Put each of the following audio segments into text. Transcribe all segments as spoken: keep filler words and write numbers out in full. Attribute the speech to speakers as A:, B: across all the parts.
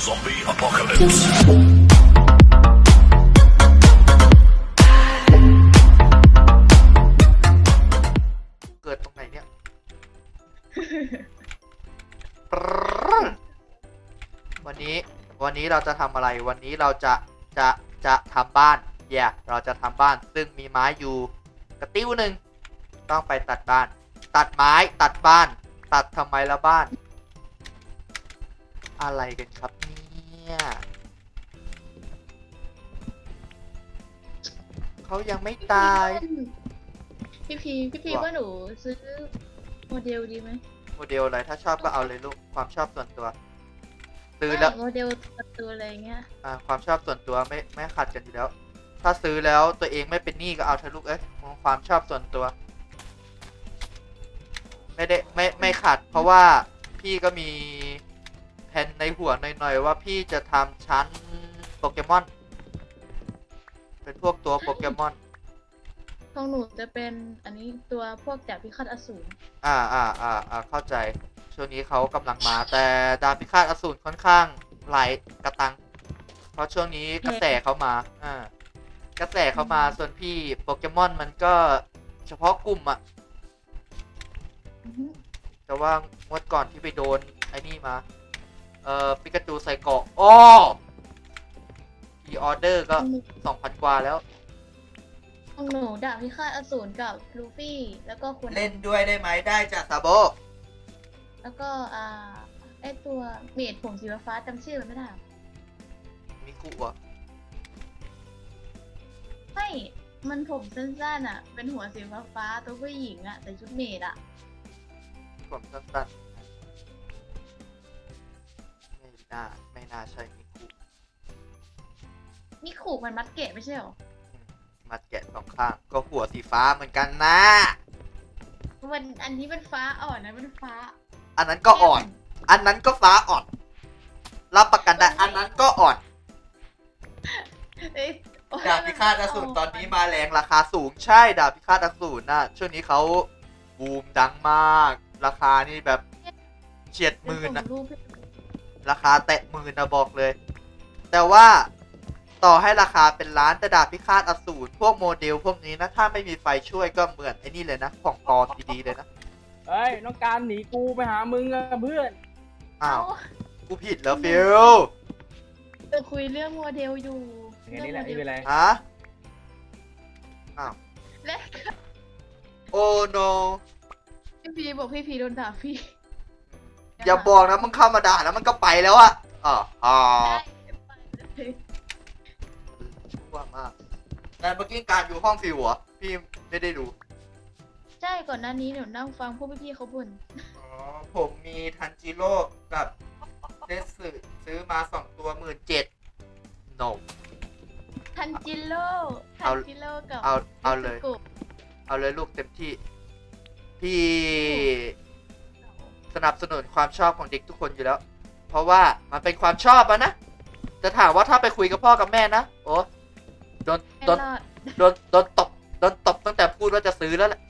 A: Zombie apocalypse.
B: เกิดตรงไหนเนี่ย วันนี้วันนี้เราจะทำอะไรวันนี้เราจะจะจะทำบ้านแย่ yeah, เราจะทำบ้านซึ่งมีไม้อยู่กระติ้วหนึ่งต้องไปตัดบ้าน ตัดไม้ตัดบ้าน ตัดทำไมละบ้าน อะไรกันครับเนี่ยเขายังไม่ตาย
C: พี่พีพี่พีว่าหนูซื้อโมเดลดีไหม
B: โมเดลอะไรถ้าชอบก็เอาเลยลูกความชอบส่วนตัวซื้อแล้ว
C: โมเดลตัวอะไรเงี้ย
B: อ่าความชอบส่วนตัวไม่ไม่ขัดกันอยู่แล้ว ถ้าซื้อแล้วตัวเองไม่เป็นหนี้ก็เอาเถอะลูกเอ้ยความชอบส่วนตัว ไม่ได้ไม่ไม่ขัด เพราะว่าพี่ก็มีแผนในหัวหน่อยๆว่าพี่จะทำชั้นโปเกมอนเป็นพวกตัวโปเกมอน
C: ของหนูจะเป็นอันนี้ตัวพวกดาบพิฆาตอสูร
B: อ่าอ่าอ่าอ่าเข้าใจช่วงนี้เขากำลังมาแต่ดาบพิฆาตอสูรค่อนข้างหลายกระตัง เพราะช่วงนี้กระแสเขามาอ่ากระแสเขามาส่วนพี่โปเกมอนมันก็เฉพาะกลุ่มอะ
C: อือฮึ
B: แต่ว่างวดก่อนที่ไปโดนไอ้นี่มาเอ่อปิกาจูใส่เกราะอ้อพีออเดอร์ก็
C: ของหนู
B: สองพันกว่าแล้ว
C: ของหนูดาบพิฆาตอสูรกับลูฟี่แล้วก็คุณ
B: เล่นด้วยได้ไหมได้จ้ะซาโบ
C: แล้วก็อ่าไอตัวเมดผมสีฟ้าจำชื่อมันไม่ได้
B: มิคุอ่ะ
C: ไม่มันผมสั้นๆอ่ะ เป็นหัวสีฟ้าๆตัวผู้หญิงอ่ะแต่ชุดเมดอ่ะ
B: ผมสั้นๆไม่น่าไม่น่าใช่มิคุ
C: นี่ขู่มันมัดเกะไม่ใช่หรอ
B: มัดแกะสองข้างก็หัวสีฟ้าเหมือนกันนะ
C: มันอันนี้มันฟ้าอ่อนนะมันฟ้า
B: อันนั้นก็อ่อน อันนั้นก็ฟ้าอ่อนรับประกันได้อันนั้นก็อ่อน
C: เอ้ยโอ้ย
B: ดาบพิฆาตอสูร
C: มั
B: ตอนนี้มาแรงราคาสูงใช่ดาบพิฆาตอสูรน่ะช่วงนี้เขาบูมดังมาก ราคานี่แบบเฉียดหมื่น
C: ส่
B: นะ
C: งรูปให้
B: ราคาแตะหมื่นนะบอกเลย แต่ว่าต่อให้ราคาเป็นล้านแต่ดาบพิฆาตอสูรพวกโมเดลพวกนี้นะถ้าไม่มีไฟช่วยก็เหมือนไอ้นี่เลยนะของปลอมดีๆเลยนะ
D: เฮ้ยน้องการหนีกูไปหามึงอะเพื่อน
B: อ้าว
C: เอ้า
B: กูผิดแล้วฟิล
C: จะคุยเรื่องโมเดลอยู่
D: อย่างนี้แหละไม่เป็นไร
B: ฮะอ้าว
C: และ
B: โอ้โน
C: พี่พีบอกพี่พีโดนด่าพี่
B: อย่าบอกนะมึงเข้ามาด่าแล้วมันก็ไปแล้วอะอ๋ออ๋อ
C: ได้
B: ชั่วมากแต่เมื่อกี้การอยู่ห้องฟิวเหรอพี่ไม่ได้ดู
C: ใช่ก่อนหน้านี้หนูนั่งฟังพวกพี่ๆเขาบ่น
B: อ๋อผมมีทันจิโร่กับเดสึซื้อมาสองตัวหมื่นเจ็ดโน
C: ทันจิโร่ทั
B: เอา
C: นจิโร่กับ
B: เอาเอาเลย
C: มิสกุ
B: เอาเลยลูกเต็มที่ พี่สนับสนุนความชอบของเด็กทุกคนอยู่แล้ว เพราะว่ามันเป็นความชอบอะนะจะถามว่าถ้าไปคุยกับพ่อกับแม่นะโอ้โดน
C: ไม่
B: โดน
C: รอด
B: โดนโดนตบโดนตบตั้งแต่พูดว่าจะซื้อแล้วแหละ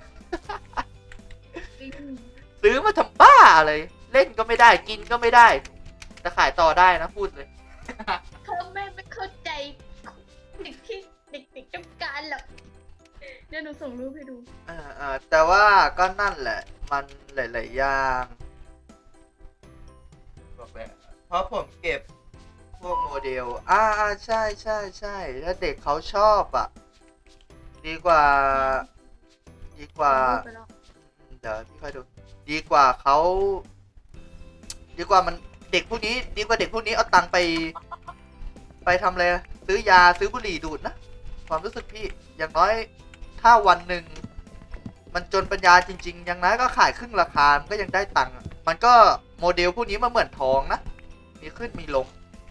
B: ซื้อมาทำบ้าอะไรเล่นก็ไม่ได้กินก็ไม่ได้แต่ขายต่อได้นะพูดเลย
C: เขาแม่ไม่เข้าใจเด็กที่เด็กๆต้องการหรอกเดี๋ยวหนูส่งรูปให้ดู
B: เออเออแต่ว่าก็นั่นแหละ มันหลาย ๆ อย่างบอกเลยเพราะผมเก็บพวกโมเดล อ่าอ่าใช่ใช่ใช่ถ้าเด็กเขาชอบอ่ะ ดีกว่า ดีกว่า
C: ส่งรูปไปแล้ว
B: เดี๋ยวพี่ค่อยดู ดีกว่าเขา ดีกว่ามันเด็กพวกนี้ ดีกว่าเด็กพวกนี้เอาตังค์ไป ไปทำอะไรอะซื้อยาซื้อบุหรี่ดูดนะ ความรู้สึกพี่อย่างน้อยถ้าวันหนึ่งมันจนปัญญาจริง ๆ อย่างน้อยก็ขายครึ่งราคา มันก็ยังได้ตังค์อะมันก็โมเดลพวกนี้มันเหมือนทองนะ มีขึ้นมีลง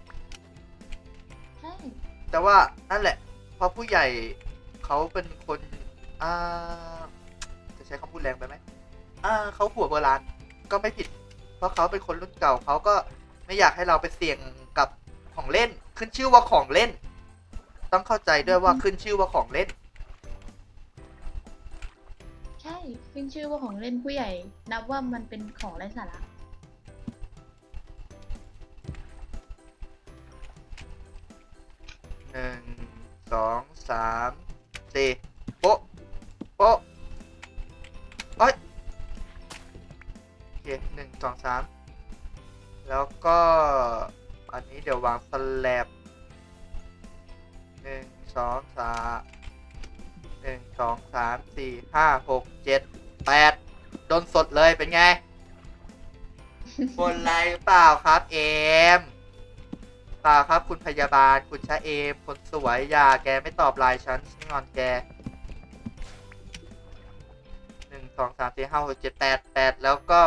C: ใช่
B: แต่ว่านั่นแหละเพราะผู้ใหญ่เขาเป็นคนอ่าจะใช้คำพูดแรงไปไหมอ่าเขาหัวโบราณก็ไม่ผิด เพราะเขาเป็นคนรุ่นเก่าเขาก็ไม่อยากให้เราไปเสี่ยงกับของเล่น ขึ้นชื่อว่าของเล่น ต้องเข้าใจด้วยว่าขึ้นชื่อว่าของเล่น
C: ใช่ขึ้นชื่อว่าของเล่นผู้ใหญ่ นับว่ามันเป็นของไร้สาระ
B: หนึ่งสองสามสี่โป๊ะโป๊ะเอ้ยโอเคหนึ่งสองสามแล้วก็อันนี้เดี๋ยววางสแลบหนึ่งสองสามหนึ่งสองสามสี่ห้าหกเจ็ดแปดโดนสดเลยเป็นไง บนไรหรือเปล่าครับเอมเปล่าครับคุณพยาบาลคุณชะเอมคนสวยอย่าแกไม่ตอบไลน์ฉันฉันงอนแกหนึ่งสองสามสี่ห้าหกเจ็ดแปดแปดแล้วก็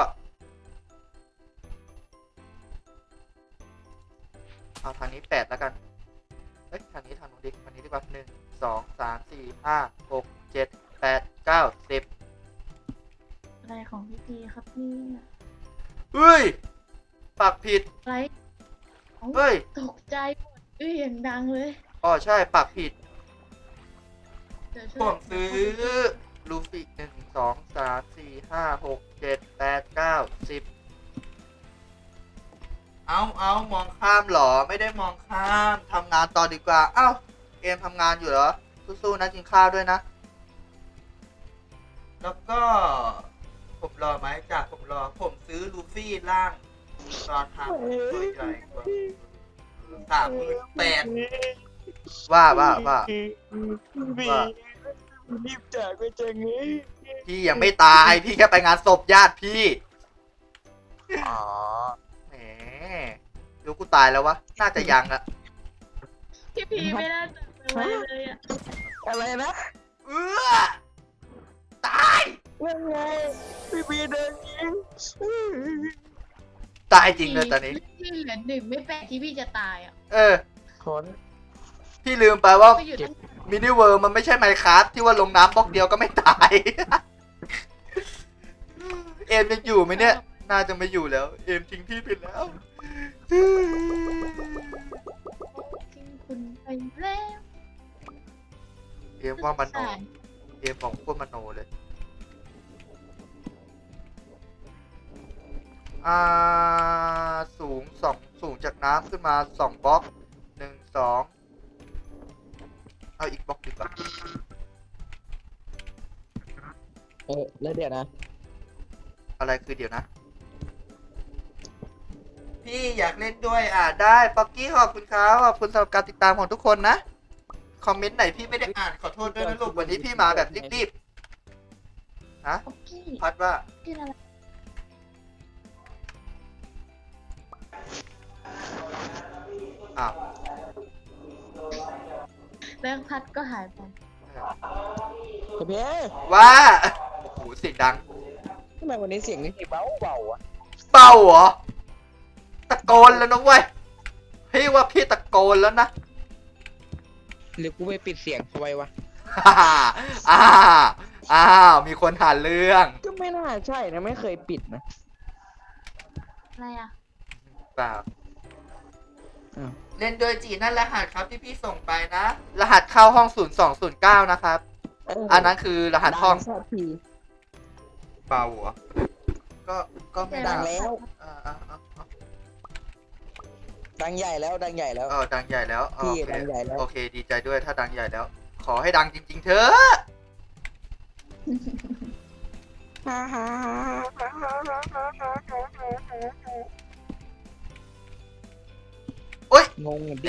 B: เอาทางนี้แปดแล้วกันเอ้ยทางนี้ทางนู้นดิทางนี้ดีกว่าหนึ่งสองสามสี่ห้าหกเจ็ดแปดเก้าสิบ
C: อะไรของพี่พีครับเนี่ย
B: เฮ้ยปากผิด
C: อะไรเอ้า
B: เฮ้ย
C: ตกใจหมดอื้ออย่างดังเลย
B: อ๋อใช่ปากผิด
C: เดี๋ยวช่
B: ผ
C: วย
B: มซื้อลูฟี่หนึ่งสองสามสี่ห้าหกเจ็ดแปดเก้าสิบเอาเอามองข้ามเหรอไม่ได้มองข้ามทำงานต่อดีกว่า เอ้าเกมทำงานอยู่เหรอ สู้ๆนะกินข้าวด้วยนะ แล้วก็ ผมรอไหมจากผมรอ ผมซื้อลูฟี่ล่างตอนทำตัวใหญ่กว่าสามหมื่นแปดว่าว่าว่า ว่า
A: รีบจากไปจังเลย
B: พี่ยังไม่ตาย พี่แค่ไปงานศพญาติพี่
A: อ๋อ
B: แหมรู้กูตายแล้ววะ น่าจะยังอะ
C: พี่พีไม่น่าจะไปไว้เลยอ่ะ
A: อะไรนะ
B: เออตาย
A: ยังไงพี่บีเดินยิง
B: ตายจริงเลยตอนนี้
C: พี่เหลือหนึ่งไม่แปลกที่พี่จะตายอ่ะ
B: เออ
A: ขน
B: พี่ลืมไปว่า
C: ไปอยู่ตั้ง
B: มินิเวิร์มันไม่ใช่ไมค์คราฟที่ว่าลงน้ำบล็อกเดียวก็ไม่ตาย เอมยังอยู่ไหมเนี่ย น่าจะไม่อยู่แล้ว เอมทิ้งพี่ไปแล้ว
C: ทิ้งคุณไปแล้ว
B: เอมว่ามันโน
C: สงสาร
B: เอมบอกพวกมันโนเลย อ่า สูงสองสูงจากน้ำขึ้นมาสองบล็อกหนึ่งสองเอาอีกบล็อกดีกว่า
A: เออแล้วเดี๋ยวนะ
B: อะไรคือเดี๋ยวนะ พี่อยากเล่นด้วยอ่ะได้ป๊อกกี้ขอบคุณครับขอบคุณสำหรับการติดตามของทุกคนนะ คอมเมนต์ไหนพี่ไม่ได้อ่านขอโทษด้วยนะลูกวันนี้พี่มาแบบรีบๆฮะ
C: โอเค
B: พัดว่า
C: กินอะไร
B: อ้าว
C: แล้วพัดก็หายไป
A: เพี่
B: ว่าโอ้โหเสียงดัง
A: ทำไมวันนี้เสียงนี่เบาเบาๆอ่ะ
B: เบาเหรอตะโกนแล้วนะเว้ยพี่ว่าพี่ตะโกนแล้วนะ
A: หรือกูไปปิดเสียงทำไมวะ
B: อ้าวอ้าวอ้าวมีคนหาเรื่อง
A: ก็ไม่น่าใช่นะไม่เคยปิดนะ
C: อะไรอ่ะ
B: เปล่า
A: อ้าว
B: เล่นโดยจีนั่นรหัสครับที่พี่ส่งไปนะ รหัสเข้าห้องศูนย์สองศูนย์เก้านะครับ
A: เออ
B: อันนั้นคือรหัสห้อง
A: ดัสักที
B: เบาเหรอก็ก็ไม่
A: ดั
B: ดั
A: ง
B: ง
A: แล้ว
B: อ่าอ่าอ่าอ่า
A: ดังใหญ่แล้วดังใหญ่แล้ว
B: เออดังใหญ่แล้วโอ
A: พี่
B: เค
A: ดังใหญ่แล้ว
B: โอเค ดีใจด้วยถ้าดังใหญ่แล้ว ขอให้ดังจริง ๆ เถอะ
A: ฮ่าฮ่าฮ่าฮ่าฮ่าฮ่าฮ่าฮ่าฮ่า
B: โอ๊ย
A: งงอ่ะดิ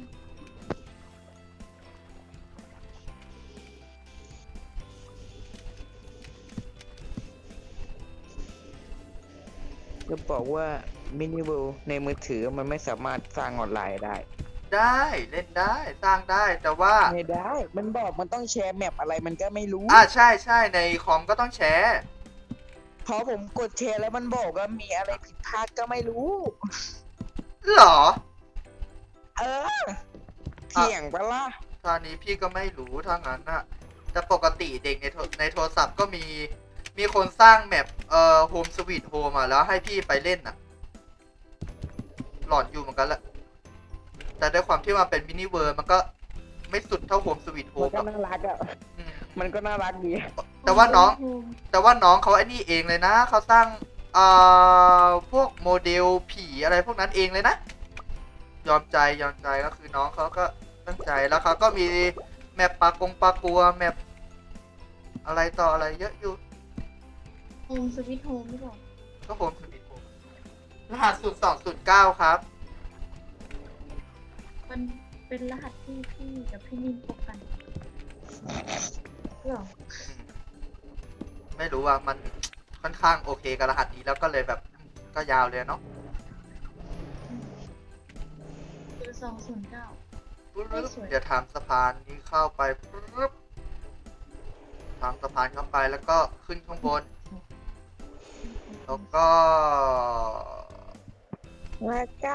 A: จะบอกว่ามินิเวิลด์ในมือถือมันไม่สามารถสร้างออนไลน์ได้
B: ได้เล่นได้สร้างได้แต่ว่า
A: ไม่ได้ มันบอกมันต้องแชร์แมปอะไรมันก็ไม่รู้
B: อ่าใช่ใช่ในคอมก็ต้องแชร์
A: พอผมกดแชร์แล้วมันบอกว่ามีอะไรผิดพลาดก็ไม่รู้
B: เหรอ
A: เออเถียงปะล่ะ
B: ตอนนี้พี่ก็ไม่รู้ถ้างั้นน่ะแต่ปกติเด็กในโทรในโทรศัพท์ก็มีมีคนสร้างแมปเอ่อโฮมสวีทโฮมอ่ะแล้วให้พี่ไปเล่นน่ะ หลอนอยู่เหมือนกันแหละแต่ด้วยความที่มันเป็นมินิเวิร์มันก็ไม่สุดเท่าโฮมสวีทโฮ
A: มัน
B: ม
A: ก็น่ารักอ่ะ มันก็น่ารักดี
B: แต่ว่าน้อง แต่ว่าน้องเขาไอ้นี่เองเลยนะเขาสร้างเอ่อพวกโมเดลผีอะไรพวกนั้นเองเลยนะ ยอมใจยอมใจก็คือน้องเขาก็ตั้งใจแล้วเขาก็มีแมปปากงปากัวแมปอะไรต่ออะไรเยอะอยู่
C: โฮมสวิตโฮมหรือเปล่า
B: ก็โฮมสวิตโฮมรหัสศูนย์สองศูนย์เก้าครับ
C: มันเป็นรหัสที่พี่กับพี่นินพบกันเหรอ
B: อืมไม่รู้ว่ามันค่อนข้างโอเคกับรหัสนี้แล้วก็เลยแบบก็ยาวเลยเนาะ
C: คือสองศูนย์เก้า
B: ปึ๊บ
C: ไม่สวย
B: เดี๋ยวทำสะพานนี้เข้าไปปึ๊บทำสะพานเข้าไปแล้วก็ขึ้นข้างบน แล้วก็
A: แล้วก็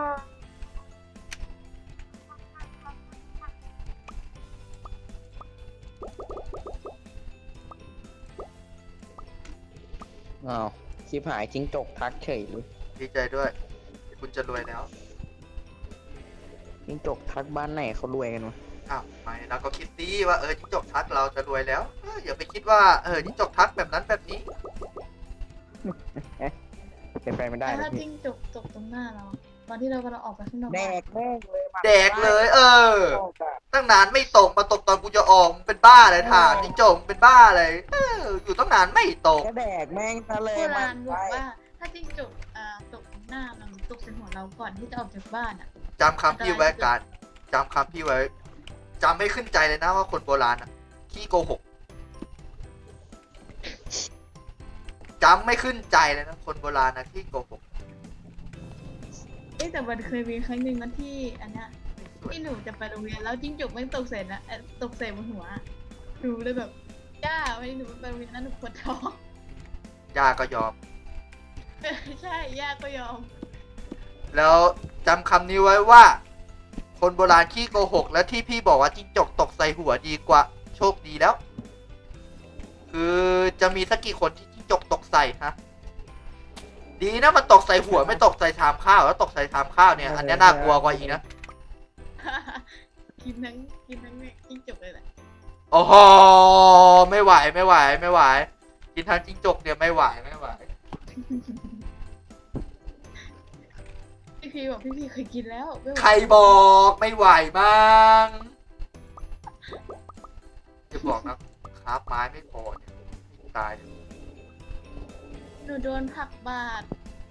E: อ้าวชิบหายจิ้งจกทักเฉยเลย
B: ดีใจด้วย คุณจะรวยแล้ว
E: จิ้งจกทักบ้านไหนเขารวยกันวะ
B: อ้าวไม่เราก็คิดดีว่าเออจิ้งจกทักเราจะรวยแล้วเอออย่าไปคิดว่าเออจิ้งจกทักแบบนั้นแบบนี้
E: เป็นไปไม่ได้
C: แต่
E: นะ
C: ถ้า
E: พี่
C: จิ้งจกตกตรงหน้าเรา ตอนที่เรากำลังออกไปข้างนอก
E: แดกแม่งเลยมัน
B: แดกเลย เออ ตั้งนานไม่ตกมาตกตอนกูจะออกมึงเป็นบ้าเลยถามจิ้งจกมึงเป็นบ้าเลยเอออยู่ตั้งนานไม่ตก
E: ก็แดกแม่งซะเลย
C: โบ
E: มั
C: ราณ
E: น
C: บอก
E: ไป
C: ว่า ถ้าจิ้งจกอ่าตกตรงหน้ามันตกใส่หัวเราก่อนที่จะออกจากบ้านอ่ะ
B: จำคำพี่ไว้การจำคำพี่ไว้จำไม่ขึ้นใจเลยนะว่าคนโบราณอ่ะขี้โกหกจำไม่ขึ้นใจเลยนะคนโบราณนะขี้โกหก
C: เอ้ยแต่มันเคยมีครั้งหนึ่งนะที่อันเนี้ย
B: สวย
C: ที่หนูจะไปโรงเรียนแล้วจิ้งจกไม่งตกใส่นะเอ่อตกใส่บนหัวอะหนูเลยแบบย่าวันนี้หนูไปโรงเรียนนั้นหนูปวดท้อง
B: ยาก็ยอม
C: ใช่ย่าก็ยอม
B: แล้วจำคำนี้ไว้ว่า คนโบราณขี้โกหก และที่พี่บอกว่าจิ้งจกตกใส่หัวดีกว่า โชคดีแล้ว คือจะมีสักกี่คนที่จิ้งจกตกใส่ฮะดีนะมันตกใส่หัวไม่ตกใส่ชามข้าวแล้วตกใส่ชามข้าวเนี่ยอันนี้น่ากลัวกว่าอีกนะ
C: กินทั้งกินทั้งเนี่ยจิ้งจกเลยแหละ
B: โอ้โหไม่ไหวไม่ไหวไม่ไหว กินทั้งจิ้งจกเนี่ยไม่ไหวไม่ไหว
C: พี่พีบอกพี่พีเคยกินแล้วไม่ไหว
B: ใครบอกไม่ไหวมั้งจะบอกนะคราฟไม้ไม่พอเนี่ยตายเลย
C: หนูโดนผักบาด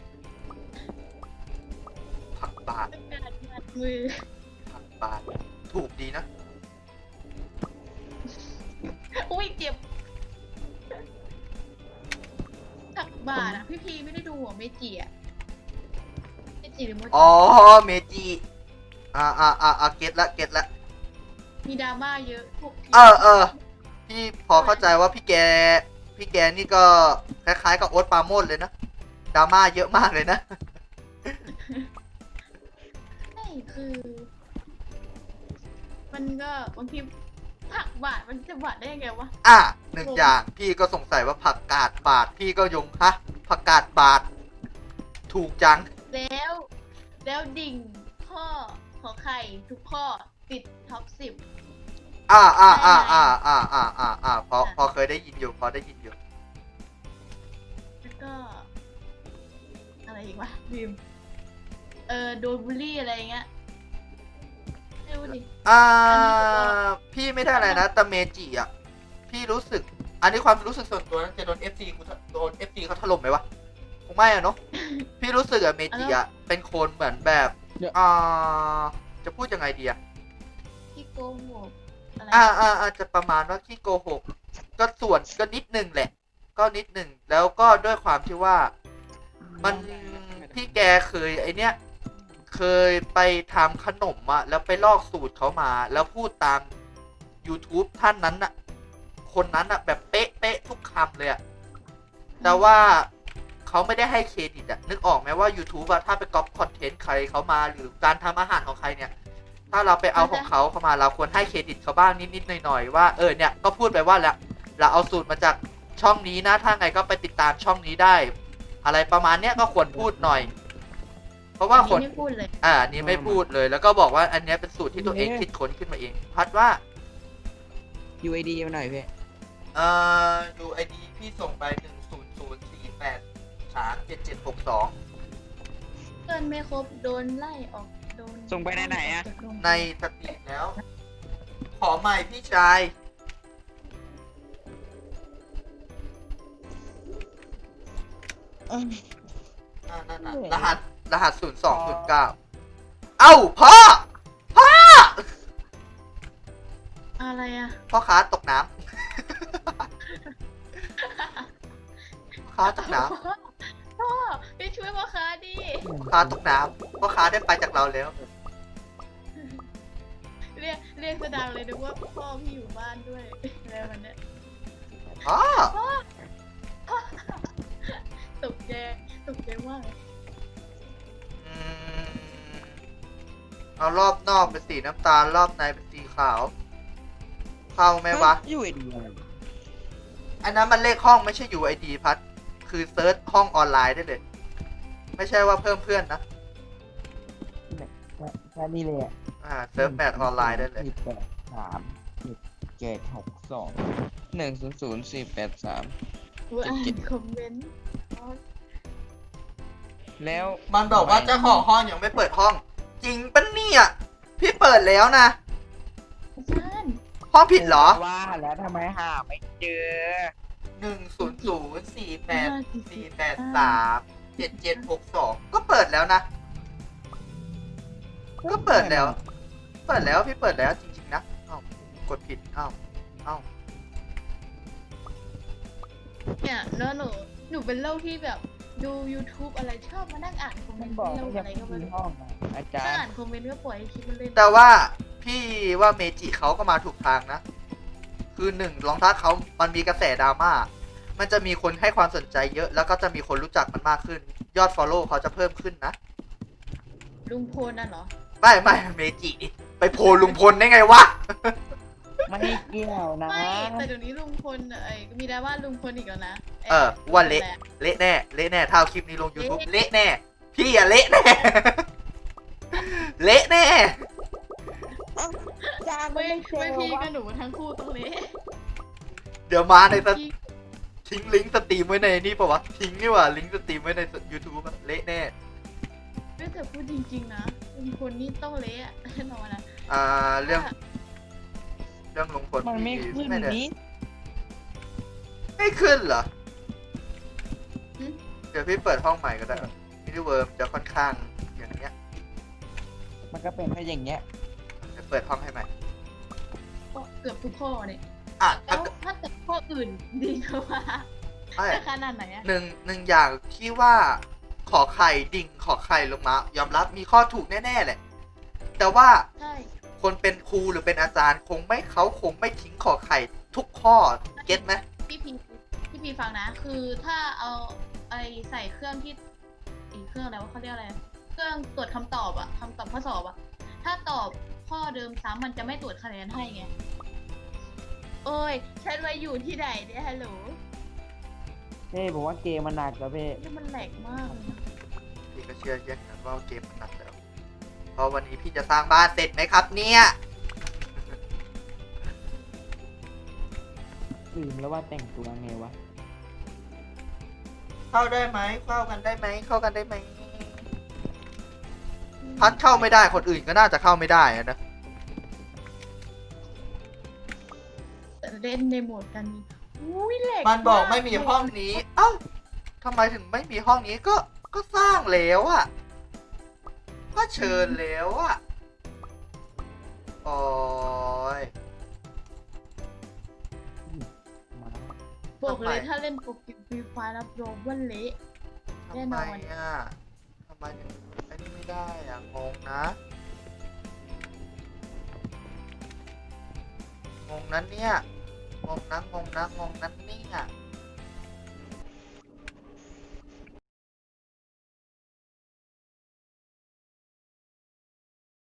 B: ผักบาท
C: เป็นการบาดมือ
B: ผักบาทถูกดีนะ
C: อุ้ยเจ็บผักบาดอ่ะพี่พีไม่ได้ดูหัวเมจิอ่ะเมจิหรือโมจิ
B: อ๋อเมจิอ่าอ่าอ่าอ่าเก็ตละเก็ตละ
C: มีดราม่าเยอะพวก
B: เออเออพี่พอเข้าใจว่าพี่แกพี่แกนี่ก็คล้ายๆกับโอ๊ตปราโมชเลยนะดราม่าเยอะมากเลยนะ
C: ใช่คือ มันก็บางทีผักบาดมันจะบาดได้ยังไงวะ
B: อ่ะหนึ่งอย่างพี่ก็สงสัยว่าผักกาดบาทพี่ก็ยงฮะผักกาดบาท ถูกจัง
C: แล้ว แล้วดิ่งข้อขอไข่ทุกข้อติดท็อปสิบ
B: อ่าอ่าอ่าอ่าอ่าอ่าอ่าอ่าพอพอเคยได้ยินอยู่พอได้ยินอยู่
C: แล้วก็ อะไรอีกวะลืมเออโดนบูลลี่อะไรอย่างเงี้ยไม่รู้ดิ
B: อ่า
C: อันนี้ก็
B: พี่ไม่ได้อะไรนะแต่เมจิอ่ะพี่รู้สึก อันนี้ความรู้สึกส่วนตัวนะจะโดน เอฟ ซี กูโดน เอฟ ซี เขาถล่มไหมวะคงไม่อะเนาะ พี่รู้สึกอะเมจิอะเป็นคนเหมือนแบบอ่าจะพูดยังไงดีอะ
C: ที่โกหกอะไร
B: อ่าอ่าอาจจะประมาณว่าขี้โกหก ก็ส่วนก็นิดนึงแหละ ก็นิดนึงแล้วก็ด้วยความที่ว่า มันพี่แกเคยไอเนี้ยเคยไปทำขนมอะแล้วไปลอกสูตรเขามา แล้วพูดตาม YouTube ท่านนั้นอะคนนั้นอะแบบเป๊ะเป๊ะทุกคำเลยอะแต่ว่าเขาไม่ได้ให้เครดิตอะนึกออกไหมว่า YouTube อะถ้าไปก๊อปคอนเทนต์ใครเขามาหรือการทำอาหารของใครเนี่ย ถ้าเราไปเอาของเขาเข้ามาเราควรให้เครดิตเขาบ้างนิดๆหน่อยๆว่าเออเนี่ยก็พูดไปว่าแล้วเราเอาสูตรมาจากช่องนี้นะถ้าไงก็ไปติดตามช่องนี้ได้ อะไรประมาณเนี้ยก็ควรพูดหน่อย เพราะว่าคน
C: ไม่พูดเลย
B: อ่าอันนี้ไม่พูดเลย แล้วก็บอกว่าอันเนี้ยเป็นสูตรที่ตัวเองคิดค้นขึ้นมาเอง พัดว่า
E: ยูไอดีมาหน่อยพี่
B: เอ่อ ยู ไอ ดี พี่ส่งไปหนึ่งศูนย์ศูนย์สี่แปดสามเจ็ดเจ็ดหกสอง
C: เพื่อนไม่ครบโดนไล่ออกโดน
E: ส่งไปไหนๆอะ
C: จากโรงเรียน
B: ในสตรีมแล้ว ขอใหม่พี่ชาย
E: อืม
B: อ่านั่นน่ะ
E: เหนื่อย
B: รหัสรหัสศูนย์สองศูนย์เก้าเอ้าพ่อ พ่อ
C: อะไรอะ
B: พ่อค้าตกน้ำ พ่อค้าตกน้
C: พ่อพี่ช่วยพ่อค้าดิ
B: ำพ่อค้าตกน้ำพ่อค้าได้ไปจากเราแล้ว
C: เรียกเรียกสะดังเลยนึกว่าพ่อพี่อยู่บ้านด้วยอะไรวันเนี้ย
B: อ๋อ
C: ตกใจตกใจมากเลย
B: อืมเอารอบนอกเป็นสีน้ำตาล รอบในเป็นสีขาว เข้าไหมวะ
E: ยูเอดี
B: อันนั้นมันเลขห้องไม่ใช่ ยู ไอ ดี พัด คือเซิร์ชห้องออนไลน์ได้เลย ไม่ใช่ว่าเพิ่มเพื่อนนะ
E: แค่นี้เลยอะ
B: อ่า เซิร์ฟแมทออนไลน์ได้เลย
E: สี่แปดสามเจ็ดหกสองหนึ่งศูนย์ศูนย์สี่แปดสาม
C: กูอ่านคอมเมนต์
E: แล้ว
B: มันบอกว่าเจ้าของห้องยังไม่เปิดห้อง จริงปะเนี่ย พี่เปิดแล้วนะ
C: อาจารย์
B: ห้องผิดเหรอ
E: ว่าแล้วทำไมหาไม่เจอ
B: หนึ่งศูนย์ศูนย์สี่แปดสี่แปดสามเจ็ดเจ็ดหกสองก็เปิดแล้วนะ ก็เปิดแล้ว เปิดแล้วพี่เปิดแล้วจริงๆนะเอ้ากดผิดเอ้าเอ้า
C: เนี่ยแล้วหนูหนูเป็นโรคที่แบบดู YouTube อะไรชอบมานั่งอ่านคอมเม
E: มัน น
C: ต์
E: บอก
C: โรค
E: ว่า
C: อะไร
E: ยัง
C: ก็ไม่
E: มี
C: รู้
E: ห้องอะอาจาร
C: ถ้า
E: ย์
C: อ่านคอมเมนต์ก็ปล่อยให้คลิปมันเล่น
B: แต่ว่าพี่ว่าเมจิเขาก็มาถูกทางนะ คือหนึ่งรองเท้าเขามันมีกระแสดราม่า มันจะมีคนให้ความสนใจเยอะ แล้วก็จะมีคนรู้จักมันมากขึ้น ยอด follow เขาจะเพิ่มขึ้นนะ
C: ลุงพลน่ะเหรอ
B: ไม่ไม่เมจิดิไปโพลลุงพลได้ไงวะ
E: ไม่เกี่ยวนะ
C: ไม่แต่เดี๋ยวนี้ลุงพลเอ้ยมีดราม่าลุงพลอีกแล้วนะ
B: เออว่าเละ เละแน่ เละแน่ถ้าเอาคลิปนี้ลง YouTube เละแน่ พี่อะเละแน่ เละแน่
E: อาจารย์
C: ไม่
E: ไม่เจ
C: ไม่
E: อ
C: พี่
E: วะ
C: กับหนูทั้งคู่ต้องเละ
B: เดี๋ยวมาในส
C: พี่
B: ทิ้งลิงก์สตรีมไว้ในนี่ปะวะ ทิ้งนี่หว่าลิงก์สตรีมไว้ใน YouTube อะเละแน่
C: ไม่แต่พูดจริงๆนะลุงพลนี่ต้องเละอะแน่นอนนะ
B: อ่าเรื่องเรื่องลุงพล
E: มันไม่
B: พี่
E: ขึ้น
B: ไม่ได้
E: นี้
B: ไม่ขึ้นเหรอ เดี๋ยวพี่เปิดห้องใหม่ก็ได้มินิเวิร์มจะค่อนข้างอย่างเงี้ย
E: มันก็เป็นแค่อย่างเงี้ย
B: เดี๋ยวเปิดห้องให้ใหม่
C: ก็เกือบทุกข้อเนี่ย
B: อ่ะ
C: แล้
B: ถ้าว เกิด
C: ถ้าเกิดข้ออื่นดีกว่า
B: ไม่
C: จะขนาดไหนอะ
B: หนึ่งหนึ่งอย่างที่ว่าขอไข่ดิ่งขอไข่ลงมายอมรับมีข้อถูกแน่ๆแหละ แต่ว่า
C: ใช่
B: คนเป็นครูหรือเป็นอาจารย์คงไม่เขาคงไม่ทิ้งขอไข่ทุกข้อเก็ตไหม
C: พี่พีพี่พีฟังนะ คือถ้าเอาไอใส่เครื่องที่อีกเครื่องอะไรวะเขาเรียกอะไร เครื่องตรวจคำตอบอะคำตอบข้อสอบอะถ้าตอบข้อเดิมซ้ำมันจะไม่ตรวจคะแนนให้ไง โอ้ย ฉันมาอยู่ที่ไหนเนี่ยฮัลโหล
E: เพ่ผมว่าเกมมันหนักแล้วเพ่
C: นี่มันแหลกมากเลยนะ
B: พี่ก็เชื่อแย่งกันว่าเกมมันหนักแล้วเพราะวันนี้พี่จะสร้างบ้านเสร็จไหมครับเนี่ย
E: ลืมแล้วว่าแต่งตัวไงวะ
B: เข้าได้ไหมเข้ากันได้ไหมเข้ากันได้ไหมพัดเข้าไม่ได้คนอื่นก็น่าจะเข้าไม่ได้อะนะ
C: แต่เล่นในโหมดกันนี่อุ้ยแหลก
B: มันบอกไม่
C: า
B: มีห้องนี้ เอ้าทำไมถึงไม่มีห้องนี้ก็ก็สร้างแล้วอะก็เชิญแล้วอะโอ้ย
E: มา
C: บอกเลย
B: ทำไม
C: ถ้าเล่นโปรแกรมฟรีไฟล์รับรองว่าเละ แน่
B: ทำ
C: น
B: ไม
C: อน
B: อะทำไมถึงไอ้นี่ไม่ได้อะงงนะ งงนั้นเนี่ย งงนะงงนะงงนั้นเนี่ย